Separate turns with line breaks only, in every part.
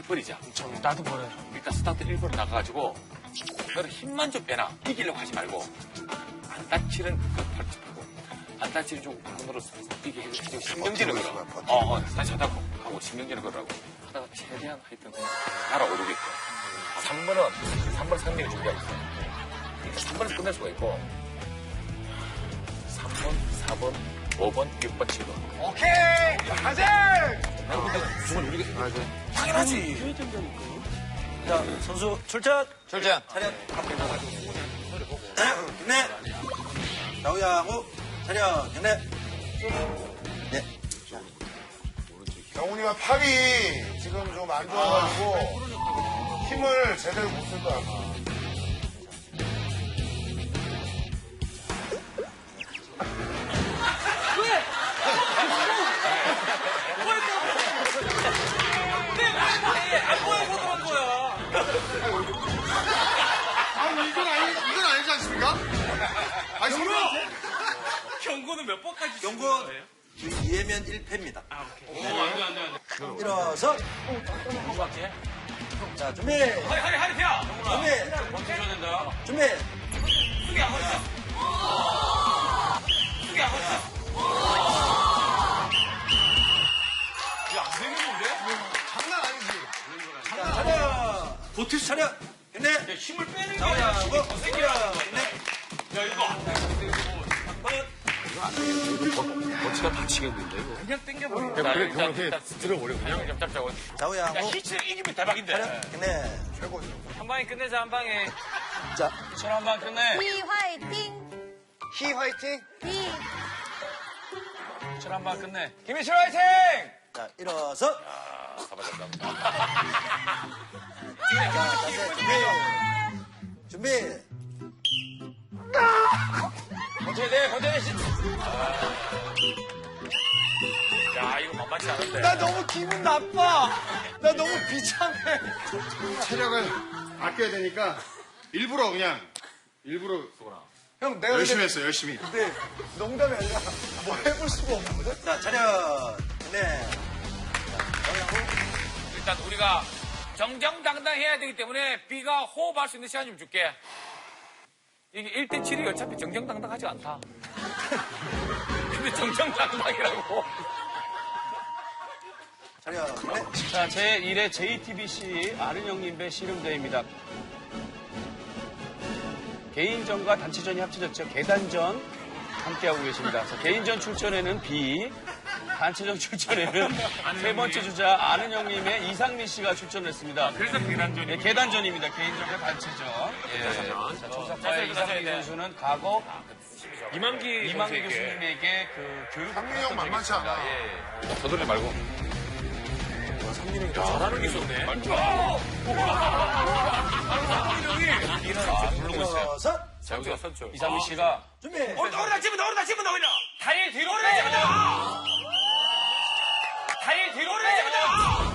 스타트를 버리자.
나도 버려.
일단 스타트 일부러 나가가지고 너는 힘만 좀 빼나. 이기려고 하지 말고 안 다치는 그 팔찌 풀고 안 다치는 쪽 손으로 이게 해주고 신경질을 걸어. 다시 하다고 하고 신경질을 걸으라고 하다가 최대한 하여튼 그냥 날아오르게끔. 3번 상민이 준비가 있어. 그러니까 3번에서 끝낼 수가 있고 3번, 4번, 5번, 6번, 7번.
오케이! 가자!
근데 정말 우리가 당연하지.
자, 선수 출전.
출전.
차렷.
네. 좌우야하고 차렷. 네. 네.
경훈이가 팔이 지금 좀 안 좋아가지고 힘을 제대로 못 쓸 거야, 아마. 아니, 이건 아니지 않습니까? 아니, 설마!
경고는 몇 번까지
경고 2회면 1패입니다.
아, 오케이. 안 돼.
일어서. 자, 준비.
하리, 피야!
준비.
멈춰줘야 된다.
준비.
숙이 안 걸렸어. 숙이 안 걸렸어. 야, 안 되겠는데?
장난 아니지.
자, 차렷.
버틸 수
차렷. 네.
야, 힘을 빼는 게
좌우야
아니라 힘이
하고.
더 생겨야
차렷.
하는
네.
거야. 야, 이거 안 돼.
어치가 다치겠는데 이거.
그냥 땡겨버려.
그래, 그냥 들어버려 그냥. 좀 잡자고.
좌우야
야,
하고.
히치를 이기면 대박인데.
차렷. 네.
최고죠.
한 방에 끝내자, 한 방에.
자.
전 한 방 끝내.
히 화이팅!
히 화이팅!
히!
전 한 방 끝내. 김희철 화이팅!
자, 일어서.
사바졌다.
자, 자세 준비. 준비.
버텨야 돼, 버텨야 돼.
야 이거 만만치 않은데.
나 너무 기분 나빠. 나 너무 비참해. 체력을 아껴야 되니까 일부러 형 내가
열심히 했어, 열심히.
근데 농담이 아니라 뭐 해볼 수가 없거든.
자, 차렷. 네.
일단 우리가 정정당당해야 되기 때문에 B가 호흡할 수 있는 시간 좀 줄게. 이게 1대 7이 어차피 정정당당하지 않다. 근데 정정당당이라고.
차렷. 네.
자, 제1회 JTBC 아른형님 배 씨름대회입니다. 개인전과 단체전이 합쳐졌죠. 계단전 함께하고 계십니다. 자, 개인전 출전에는 B, 단체전 출전에는 세 번째 주자 아른형님의 이상민 씨가 출전했습니다.
그래서 계단전이.
네, 계단전입니다. 개인전과 단체전. 예. 자, 조사파의 이상민 선수는 과거 이만기 교수님에게 그 교육을
상민이 형 만만치 않아.
예.
서두르지 말고. 상민이 형이 잘하는 게 있었네. 상민이 형이 부르고 있어요.
일어서.
자, 여기가 선출.
이상민 씨가
준비.
오르다 집어넣어, 오르다 집어넣어, 오르다. 다리 뒤로 오르다 집어넣어. 다리 뒤로 오르다 집어넣어.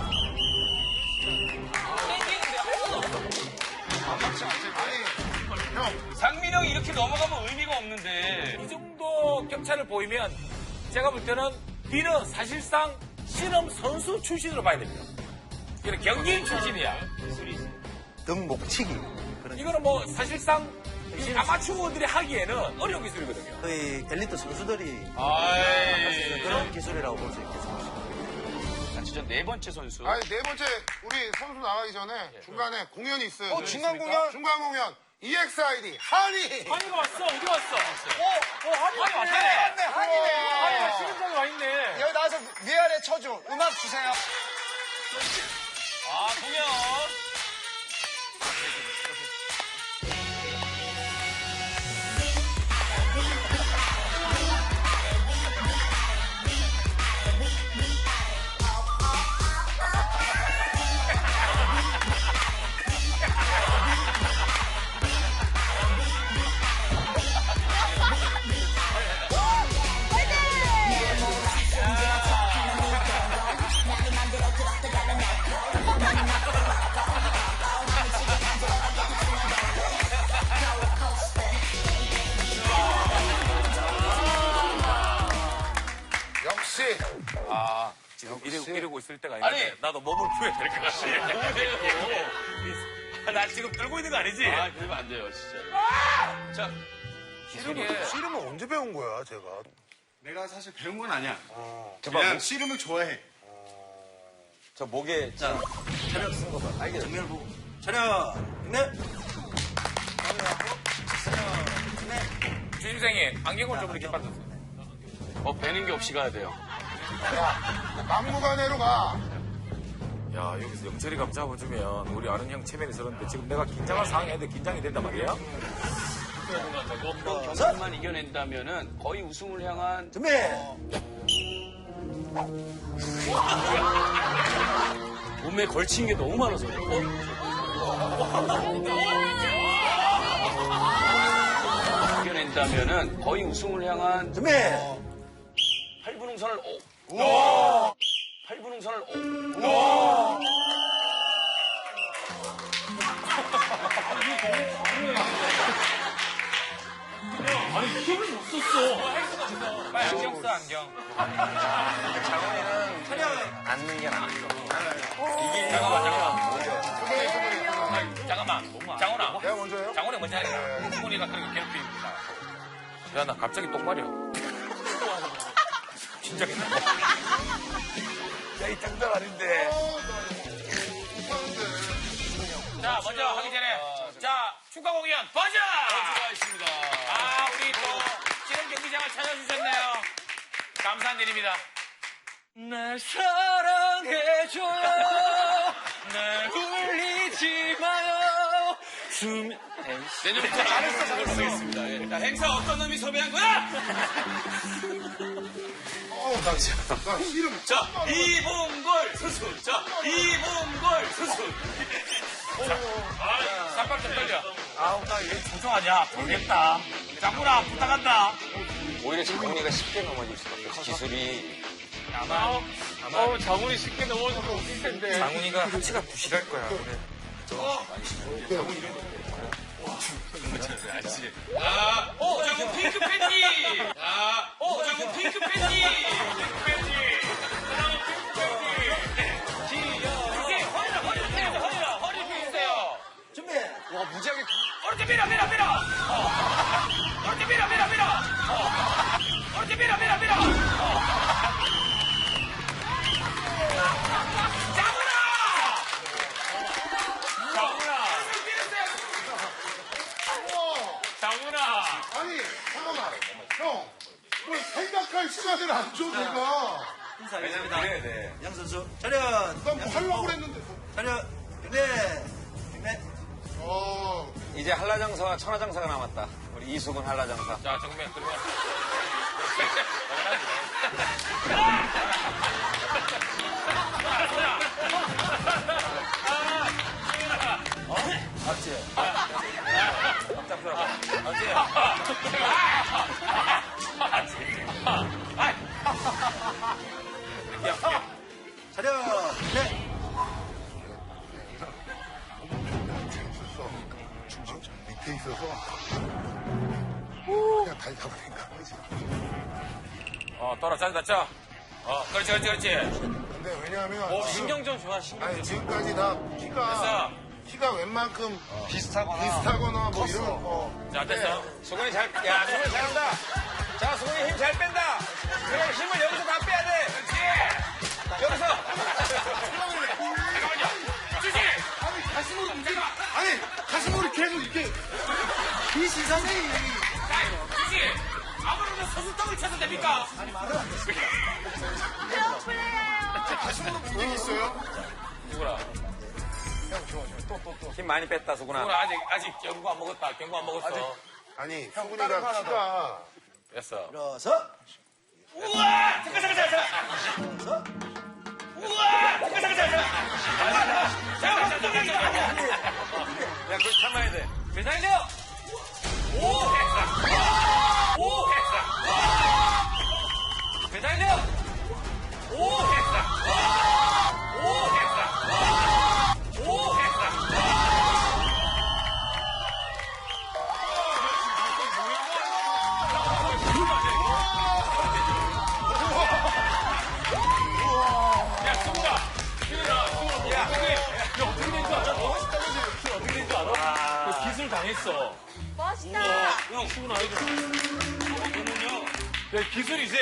상민 형이 이렇게 넘어가면 의미가 없는데.
이 정도 격차를 보이면 제가 볼 때는 B는 사실상 실험 선수 출신으로 봐야 됩니다. 이는 경기인 출신이야.
등목치기.
이거는 뭐 사실상 이 아마추어들이 하기에는 어려운 기술이거든요.
거의 엘리트 선수들이
아이.
그런 기술이라고 볼 수 있겠습니다.
단체전 네 번째 선수.
아니, 네 번째, 우리 선수 나가기 전에 중간에 공연이 있어요.
중간 공연?
중간 공연. EXID, 한이!
한이가 왔어. 어디 왔어? 한이 왔네.
한이네.
한이가 시름장에 와 있네.
여기 나와서 위아래 쳐줘. 음악 주세요.
아, 공연.
될 때가 아닌데
아니.
나도 몸을 풀어야 될 것 같아. 나 지금 떨고 있는 거 아니지?
아, 그러면 안 돼요, 진짜. 자,
씨름은 언제 배운 거야, 제가?
내가 사실 배운 건 아니야.
저봐,
그냥 씨름을 좋아해.
저 목에 자 차렷 쓴 거 봐. 알겠어. 정면을 보고. 차렷. 네.
주임생이 안경을 좀 이렇게 빠졌어.
배는 게 없이 가야 돼요.
막무가내로 가.
야, 여기서 영철이가 한번 잡아주면 우리 아는 형 체면이 서는데 지금 내가 긴장할 상황인데 긴장이 된단 말이야?
경기만 이겨낸다면은 거의 우승을 향한
준비.
몸에 걸친 게 너무 많아서 그래. 이겨낸다면은 거의 우승을 향한
준비.
8분응선을 8분응선을
빨리 안경 써, 안경.
앉는 게 나아.
잠깐만. 장훈아.
내가 먼저 해요?
장훈이 먼저 하니까. 승훈이가 그렇게 괴롭힙니다. 야, 나 갑자기 똑바려. 긴장했나?
야, 이 장난 아닌데.
자, 먼저 하기 전에. 자, 축하 공연 버전!
수고하셨습니다.
우리 또 지금 경기장을 찾아주셨네요. 감사한 일입니다.
날 사랑해줘요. 날 울리지 마요. 내년부터 잘했어, 잘했습니다. 예. 자, 행사 어떤 놈이 섭외한 거야?
나 씨름.
자, 이봉걸 수순. 자, 이봉걸 수순.
쌈밥 좀 떨려. 나 이거 조종하냐? 모르겠다. 장군아, 부탁한다.
오히려 장훈이가 쉽게 넘어질 수밖에 없어. 기술이
장훈이 쉽게 넘어져서 웃길 텐데.
장훈이가 하체가 부실할 거야. 그래.
장군 핑크 팬티. 장군 핑크 팬티. 핑크 팬티. 이제 허리를 펴야죠, 허리를 펴주세요.
준비.
오른쪽 밀어. 오른쪽 밀어. 오른쪽 밀어.
장훈아.
아니, 잠깐만. 형, 뭘 생각할 시간을 안 줘, 내가.
인사하겠습니다. 양 선수. 차렷.
난 뭐 하려고 그랬는데.
차렷. 네. 네.
이제 한라장사와 천하장사가 남았다. 우리 이수근 한라장사.
자, 정면, 그러면.
차렷. 네.
밑에 있어서. 그냥 다리 잡으니까.
떨어, 자. 그렇지.
근데 왜냐하면.
신경 좀 좋아, 신경.
아니, 지금까지 다 키가 웬만큼 비슷하거나 뭐
컸어.
이런 거.
자, 됐어.
수근이 수근이 잘한다. 자, 수근이 힘 잘 뺀다. 그래, 힘을 여기서 다 빼야 돼.
그렇지.
여기서.
잠깐만요. 주지!
가슴으로 움직여. 아니, 가슴으로 계속 이렇게. 이 시선이.
주지! 아무래도 서술떡을 쳐도 됩니까?
가슴으로 움직이 있어요.
누구라?
힘 많이 뺐다, 수근아.
누구라? 아직 경고 안 먹었어.
아니, 수근이가 키가.
됐어.
일어서.
우와! 잠깐. 우와! 잠깐.
야, 그걸 참아야 돼.
대장이요! 오! 대장이요! 오! 야, 수구가 당했어.
멋있다.
형, 수근 아이고. 이거는요. 야, 기술이지?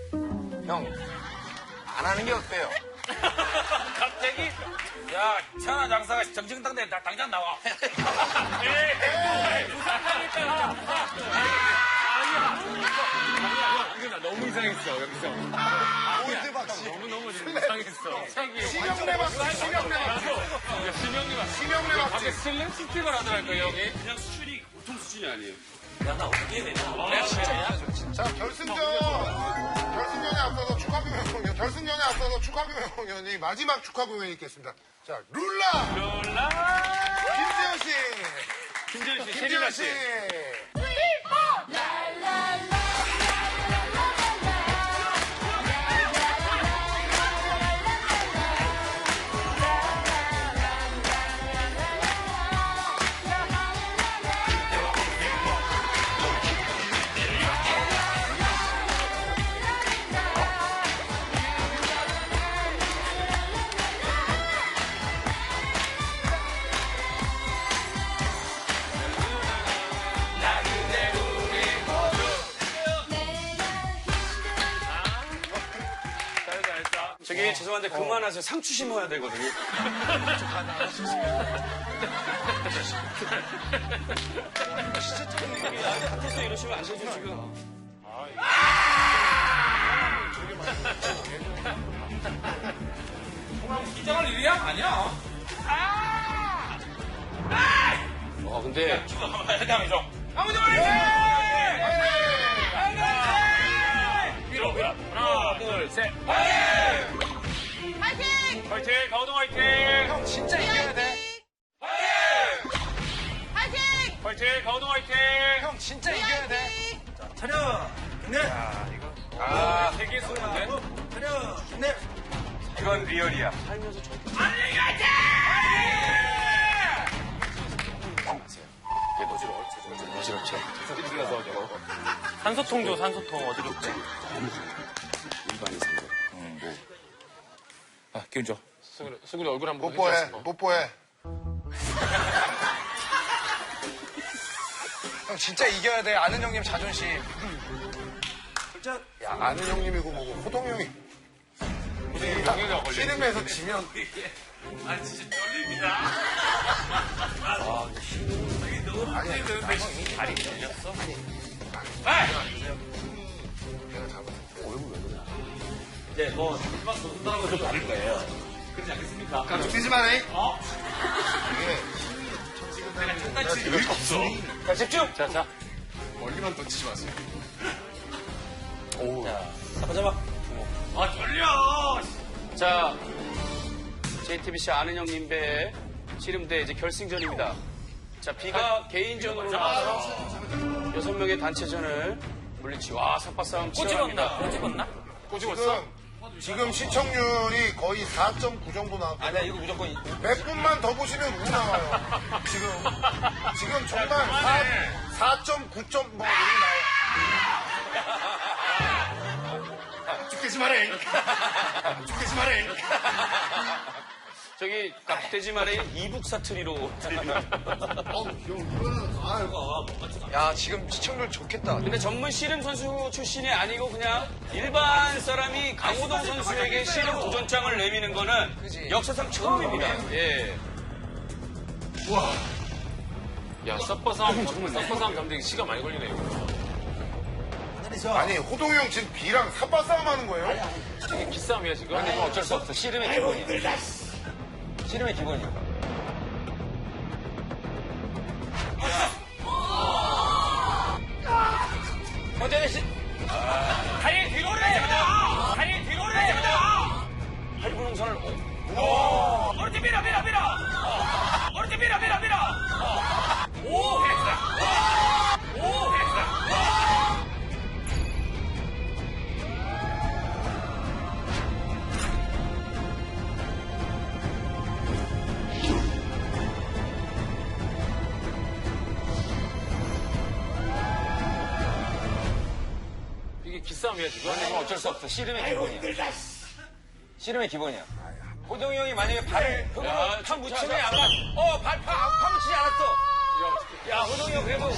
안 하는 게 어때요?
갑자기? 야, 천하 장사가 정정당당해. 당장 나와. 아니야. 너무 이상했어, 여기서.
골드 박씨.
너무 이상했어.
심형래 박씨. 심형래 박씨. 심형래 박씨.
갑자기 슬램 스틱을 하더라고요, 형이.
그냥 수준이 보통 수준이 아니에요.
자, 결승전에 앞서서 축하 공연, 결승전에 앞서서 축하 공연이 마지막 축하 공연이 있겠습니다. 자, 룰라! 김재현 씨!
김재현 씨,
김재현 씨!
저기 죄송한데 그만하세요. 상추 심어야 되거든요. 나한테 같아서 이러시면 안 되죠, 지금.
긴장할 일이야? 아니야.
근데
해당이죠. 아무도 말해! 밀어. 하나, 둘, 셋.
파이팅!
화이팅! 가오동 화이팅!
형 진짜 이겨야 돼.
파이팅!
화이팅! 가오동 화이팅!
형 진짜 이겨야 돼. 차려. 네.
세계 수는데?
차려. 네. 이건 리얼이야.
산소통 줘, 산소통. 어지럽지? 아, 기운 줘. 수근이 얼굴 한번
뽀뽀해, 뽀뽀해.
형 진짜 이겨야 돼. 아는 형님 자존심.
야, 아는 형님이고 뭐고, 호동 형이. 씨름에서 지면.
아, 진짜 떨립니다. 다리 걸렸어?
이제 뭐 마지막 선수들하고 좀 다를 거예요. 그렇지 않겠습니까?
깜짝 뛰지 마네.
자, 집중.
자.
멀리만 던지지 마세요.
잡아.
아, 떨려!
자, JTBC 아는 형님 배 씨름대 이제 결승전입니다. 자, B가 개인전으로 나와서 6명의 단체전을 물리치고, 삿바싸움 치열합니다.
꼬집었나?
지금 시청률이 거의 4.9 정도 나왔고.
아니야, 이거 무조건.
몇 분만 더 보시면 우 나와요. 지금 정말 4.9점 뭐 이렇게 나와요. 죽겠지 말해. 죽겠지 말해.
저기 깍대지 말에 이북 사투리로 들리는.
야, 지금 시청률 좋겠다.
근데 전문 씨름 선수 출신이 아니고 그냥 일반 사람이 강호동 선수에게 씨름 도전장을 내미는 거는
그지.
역사상 처음입니다. 예.
야, 썸버싸움 잠들기 시간 많이 걸리네, 이거.
아니, 호동이 형 지금 B랑 삿바 싸움 하는 거예요?
이게 기싸움이야, 지금?
어쩔 수 없어. 씨름의 기본이야. 씨름의 기본이야.
현재는
다리 뒤로 올려! 다리 뒤로 올려!
팔분홍선을
오른쪽 밀어! 오른쪽 밀어! 오! 했어! 오! 했어! 이게 기싸움이야, 지금?
어쩔 수 없어. 씨름의 기본이야. 씨름의 기본이야.
호동이 형이 만약에 발을 흙으로
야,
파 묻히면 약간, 발 파 묻히지 않았어. 야, 호동이 형 그래도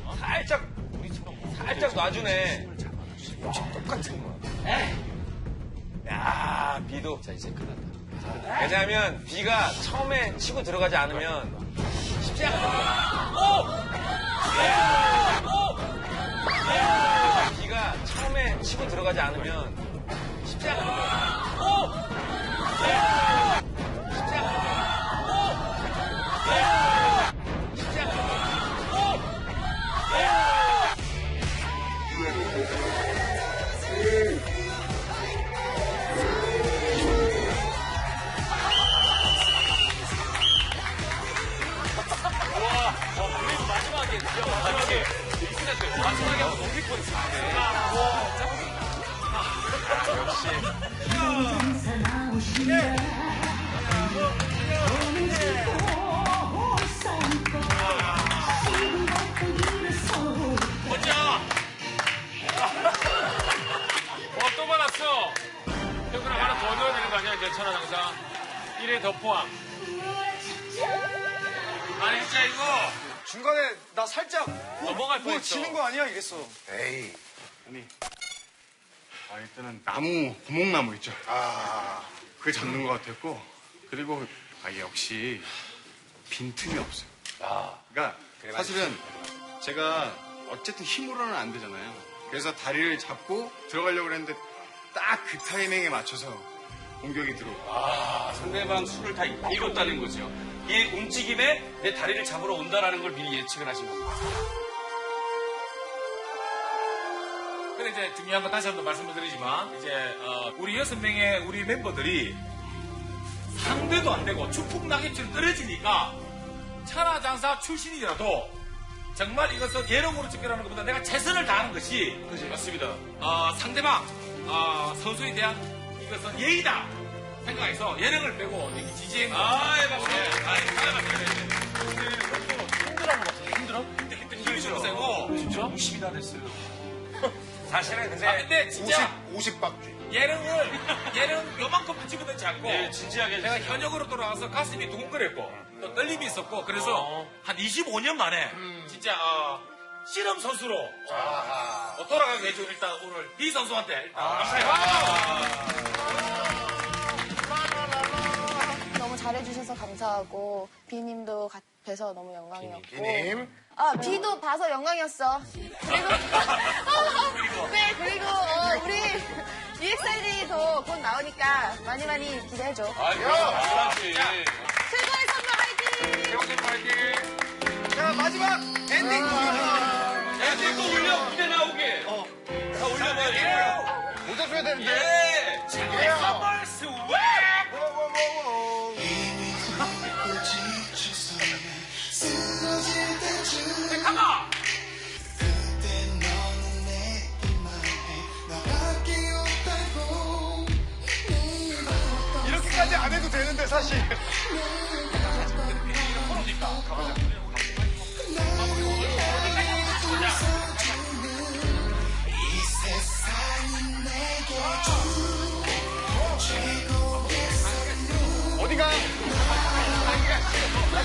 살짝 놔주네. 똑같은 거야. 야, 비도. 자, 이제 끝났다. 왜냐하면 비가 처음에 치고 들어가지 않으면 쉽지 않아. 비가 처음에 치고 들어가지 않으면 쉽지 않아. 쉽지 않아. 쉽지 않아.
마지막에 한번 넘길 뻔했어. 또 받았어. 형그랑 하나 더 넣어야 되는 거 아니야, 이제 천하장사. 1회 더 포함. 아니, 진짜 이거
중간에 나 살짝
넘어갈
뭐
뻔했어.
지는 거 아니야 이랬어.
에이.
일단은 나무, 구멍나무 있죠.
아.
그게 잡는 것 같았고, 그리고 역시 빈틈이 없어요. 그러니까 사실은 제가 어쨌든 힘으로는 안 되잖아요. 그래서 다리를 잡고 들어가려고 했는데 딱 그 타이밍에 맞춰서 공격이 들어오고.
상대방 수를 다 읽었다는 거죠. 이 움직임에 내 다리를 잡으러 온다라는 걸 미리 예측을 하신 겁니다.
근데 이제 중요한 건 다시 한 번 말씀을 드리지만, 이제, 우리 6명의 우리 멤버들이 상대도 안 되고 축복 낙엽처럼 떨어지니까 천하장사 출신이라도 정말 이것은 예능으로 집결하는 것보다 내가 최선을 다하는 것이 맞습니다. 상대방, 선수에 대한 이것은 예의다 생각해서 예능을 빼고 여기 지지행 힘들죠. 진짜?
50이 다 됐어요.
사실은 근데
근데 진짜
50박쥐.
예능 요만큼 붙이거든지 않고
네, 진지하게
내가
해주세요.
현역으로 돌아와서 가슴이 두근거렸고 또 떨림이 있었고 그래서 한 25년 만에 진짜 씨름 선수로 돌아가게 해준 일단 오늘 이 선수한테 일단 감사해요.
너무 잘해주셔서 감사하고 비님도 뵈서 너무 영광이었고
비님.
비도 봐서 영광이었어. 그리고 네 그리고 우리 EXID도 곧 나오니까 많이 기대해줘.
그렇지.
최고의 선물 화이팅!
자, 마지막 엔딩!
엔딩 또 올려, 무대 나오게. 다 올려봐요.
모자 줘야 되는데.
예!
선물 스웩! 가마!
이렇게까지 안 해도 되는데, 사실.
이거 프로니까. 가보자.